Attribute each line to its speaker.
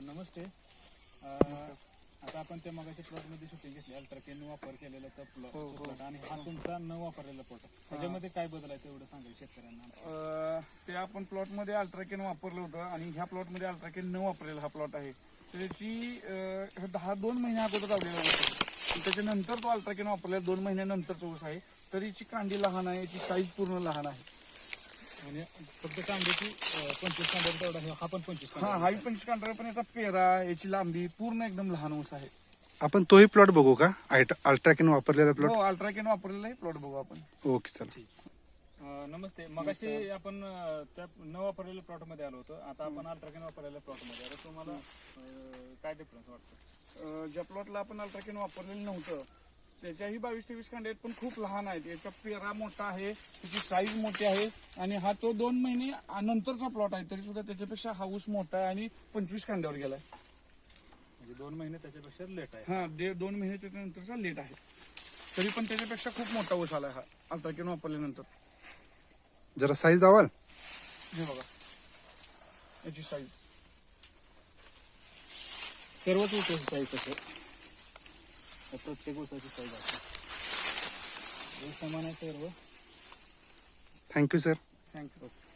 Speaker 1: नमस्ते. आता आपण त्या मगाच्या प्लॉटमध्ये शूटिंग घेतली, अल्ट्राकेन वापर केलेला तर प्लॉट आणि हा तुमचा न वापरलेला प्लॉट. त्याच्यामध्ये काय बदल आहे तेवढं सांगाल शेतकऱ्यांना.
Speaker 2: ते आपण प्लॉटमध्ये अल्ट्राकेन वापरलं होतं आणि ह्या प्लॉटमध्ये अल्ट्राकेन न वापरलेला हा प्लॉट आहे. त्याची 2 महिन्या अगोदर लावलेला होता. त्याच्यानंतर तो अल्ट्राकेन वापरलेला 2 महिन्यानंतरचा ऊस आहे. तरी याची कांडी लहान आहे, याची साईज पूर्ण लहान आहे.
Speaker 1: म्हणजे फक्त कांद्याची 25 कांड्या तेवढा हा पण 25
Speaker 2: हा, हाही 25 कांड्या, पण याचा पेरा, याची लांबी पूर्ण एकदम लहान ऊस आहे.
Speaker 3: आपण तोही प्लॉट बघू का? अल्ट्राकेन वापरलेला प्लॉट.
Speaker 2: हो, अल्ट्राकेन वापरलेला हे प्लॉट बघू आपण.
Speaker 3: ओके, चला.
Speaker 1: नमस्ते. मगाशी आपण त्या न वापरलेल्या प्लॉट मध्ये आलो होतो. आता आपण अल्ट्राकेन वापरलेल्या प्लॉट मध्ये आलो. तुम्हाला काय डिफरन्स वाटतं?
Speaker 2: ज्या प्लॉटला आपण अल्ट्राकेन वापरलेलं नव्हतं त्याच्याही 22-23 कांडे आहेत, पण खूप लहान आहेत. याचा पेरा मोठा आहे, त्याची साईज मोठी आहे आणि हा तो 2 महिने नंतरचा प्लॉट आहे, तरी सुद्धा त्याच्यापेक्षा हा ऊस मोठा आहे आणि 25 कांड्यावर गेलाय.
Speaker 1: म्हणजे 2 महिने त्याच्यापेक्षा लेट आहे.
Speaker 2: हा, 2 महिने त्याच्यानंतरचा लेट आहे, तरी पण त्याच्यापेक्षा खूप मोठा ऊस आलाय हा अल्ट्राकेन वापरल्यानंतर.
Speaker 3: जरा साईज दावाल.
Speaker 2: हे बघा याची साईज.
Speaker 1: सर्वच ऊसाची साईज तसं प्रत्येक ऊसाची साईज आहे. समान आहे सर्व.
Speaker 3: Thank you sir.
Speaker 2: थँक्यू.